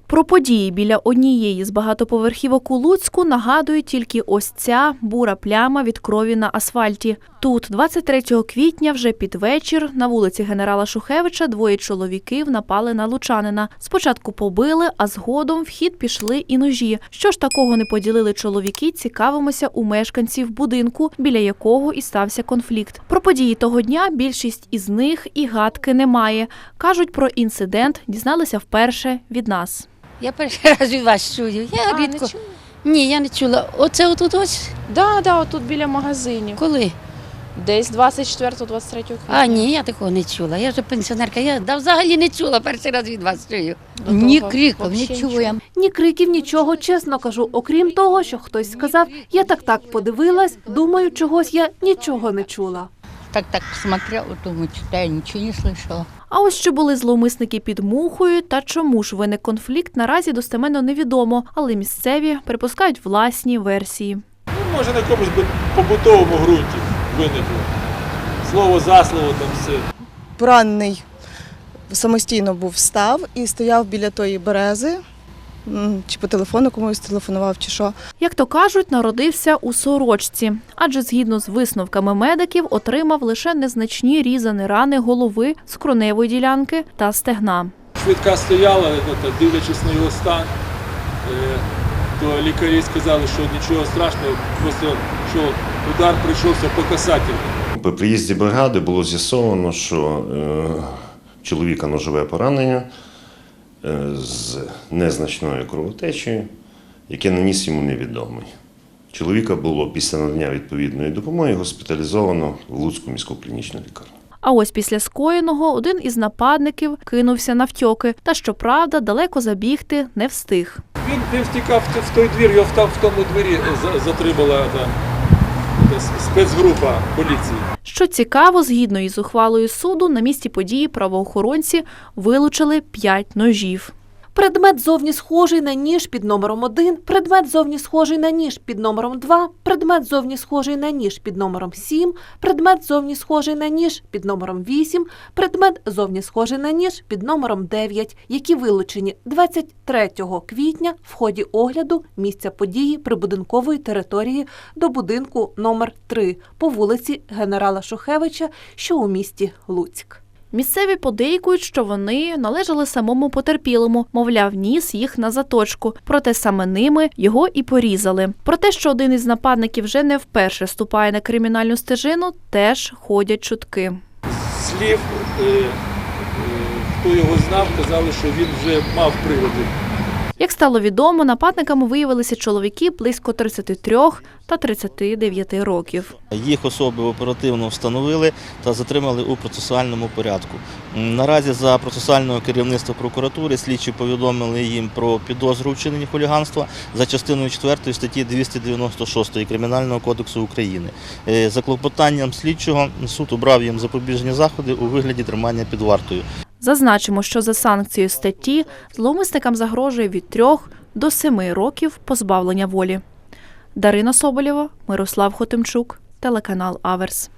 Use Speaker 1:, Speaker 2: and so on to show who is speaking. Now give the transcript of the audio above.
Speaker 1: Про події біля однієї з багатоповерхівок у Луцьку нагадує тільки ось ця бура пляма від крові на асфальті. Тут 23 квітня вже під вечір на вулиці генерала Шухевича двоє чоловіків напали на лучанина. Спочатку побили, а згодом в хід пішли і ножі. Що ж такого не поділили чоловіки, цікавимося у мешканців будинку, біля якого і стався конфлікт. Про події того дня більшість із них і гадки немає. Кажуть, про інцидент дізналися вперше від нас.
Speaker 2: Я перший раз від вас чую. Я рідко.
Speaker 3: Не чула?
Speaker 2: Ні, я не чула. Оце отут ось?
Speaker 3: Да, отут біля магазинів.
Speaker 2: Коли?
Speaker 3: Десь 24-23 квітня.
Speaker 2: А, ні, я такого не чула. Я вже пенсіонерка. Я взагалі не чула, перший раз від вас чую.
Speaker 3: До
Speaker 2: Ні
Speaker 3: того
Speaker 2: криком,
Speaker 3: взагалі
Speaker 2: не чую.
Speaker 4: Ні криків, нічого, чесно кажу. Окрім того, що хтось сказав, я так подивилась, думаю, чогось я нічого не чула.
Speaker 2: Так смотрела, думаю, читаю, нічого не слышала.
Speaker 1: А ось що були зловмисники під Мухою та чому ж виник конфлікт, наразі достеменно невідомо, але місцеві припускають власні версії.
Speaker 5: Може на якомусь побутовому ґрунті виникло. Слово за слово там все.
Speaker 6: Поранений самостійно встав і стояв біля тої берези, чи по телефону комусь телефонував, чи що.
Speaker 1: Як то кажуть, народився у сорочці, адже згідно з висновками медиків отримав лише незначні різані рани голови, скроневої ділянки та стегна.
Speaker 5: Швидка стояла, дивлячись на його стан, то лікарі сказали, що нічого страшного, просто що удар прийшовся по касательному.
Speaker 7: При приїзді бригади було з'ясовано, що чоловіка ножове поранення з незначною кровотечею, яке наніс йому невідомий. Чоловіка було після надання відповідної допомоги госпіталізовано в Луцьку міську клінічну лікарню.
Speaker 1: А ось після скоєного один із нападників кинувся навтьоки, та, щоправда, далеко забігти не встиг.
Speaker 5: Він втікав в той двір, його там в тому двері затримала спецгрупа поліції.
Speaker 1: Що цікаво, згідно із ухвалою суду, на місці події правоохоронці вилучили 5 ножів.
Speaker 4: Предмет зовні схожий на ніж під номером 1, предмет зовні схожий на ніж під номером 2, предмет зовні схожий на ніж під номером 7, предмет зовні схожий на ніж під номером 8, предмет зовні схожий на ніж під номером 9, які вилучені 23 квітня в ході огляду місця події прибудинкової території до будинку номер 3 по вулиці генерала Шухевича, що у місті Луцьк.
Speaker 1: Місцеві подейкують, що вони належали самому потерпілому, мовляв, ніс їх на заточку, проте саме ними його і порізали. Про те, що один із нападників вже не вперше ступає на кримінальну стежину, теж ходять чутки.
Speaker 5: Слів, хто його знав, казали, що він вже мав приводи.
Speaker 1: Як стало відомо, нападниками виявилися чоловіки близько 33 та 39 років.
Speaker 8: Їх особи оперативно встановили та затримали у процесуальному порядку. Наразі за процесуального керівництва прокуратури слідчі повідомили їм про підозру у вчиненні хуліганства за частиною 4 статті 296 Кримінального кодексу України. За клопотанням слідчого суд обрав їм запобіжні заходи у вигляді тримання під вартою.
Speaker 1: Зазначимо, що за санкцією статті зловмисникам загрожує від 3 до 7 років позбавлення волі. Дарина Соболєва, Мирослав Хотимчук, телеканал Аверс.